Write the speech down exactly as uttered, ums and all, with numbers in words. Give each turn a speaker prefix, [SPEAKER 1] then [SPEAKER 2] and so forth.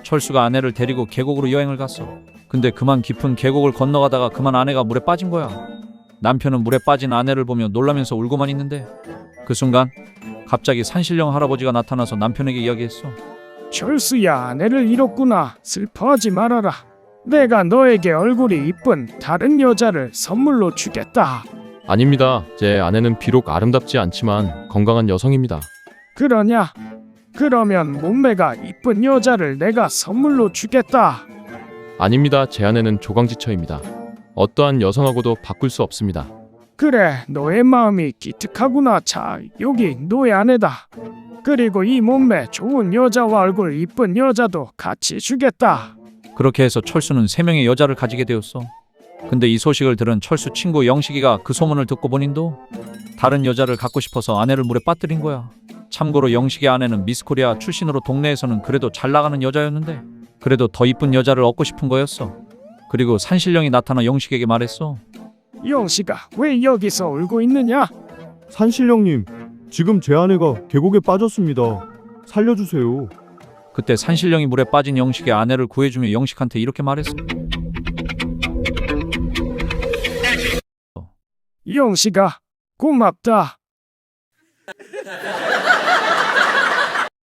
[SPEAKER 1] 철수가 아내를 데리고 계곡으로 여행을 갔어. 근데 그만 깊은 계곡을 건너가다가 그만 아내가 물에 빠진 거야. 남편은 물에 빠진 아내를 보며 놀라면서 울고만 있는데 그 순간 갑자기 산신령 할아버지가 나타나서 남편에게 이야기했어.
[SPEAKER 2] 철수야, 아내를 잃었구나. 슬퍼하지 말아라. 내가 너에게 얼굴이 이쁜 다른 여자를 선물로 주겠다.
[SPEAKER 3] 아닙니다. 제 아내는 비록 아름답지 않지만 건강한 여성입니다.
[SPEAKER 2] 그러냐? 그러면 몸매가 이쁜 여자를 내가 선물로 주겠다.
[SPEAKER 3] 아닙니다. 제 아내는 조강지처입니다. 어떠한 여성하고도 바꿀 수 없습니다.
[SPEAKER 2] 그래, 너의 마음이 기특하구나. 자, 여기 너의 아내다. 그리고 이 몸매 좋은 여자와 얼굴 이쁜 여자도 같이 주겠다.
[SPEAKER 1] 그렇게 해서 철수는 세 명의 여자를 가지게 되었어. 근데 이 소식을 들은 철수 친구 영식이가 그 소문을 듣고 본인도 다른 여자를 갖고 싶어서 아내를 물에 빠뜨린 거야. 참고로 영식의 아내는 미스코리아 출신으로 동네에서는 그래도 잘 나가는 여자였는데 그래도 더 이쁜 여자를 얻고 싶은 거였어. 그리고 산신령이 나타나 영식에게 말했어.
[SPEAKER 2] 영식아, 왜 여기서 울고 있느냐?
[SPEAKER 4] 산신령님, 지금 제 아내가 계곡에 빠졌습니다. 살려주세요.
[SPEAKER 1] 그때 산신령이 물에 빠진 영식의 아내를 구해주며 영식한테 이렇게 말했어.
[SPEAKER 2] 영식아, 고맙다.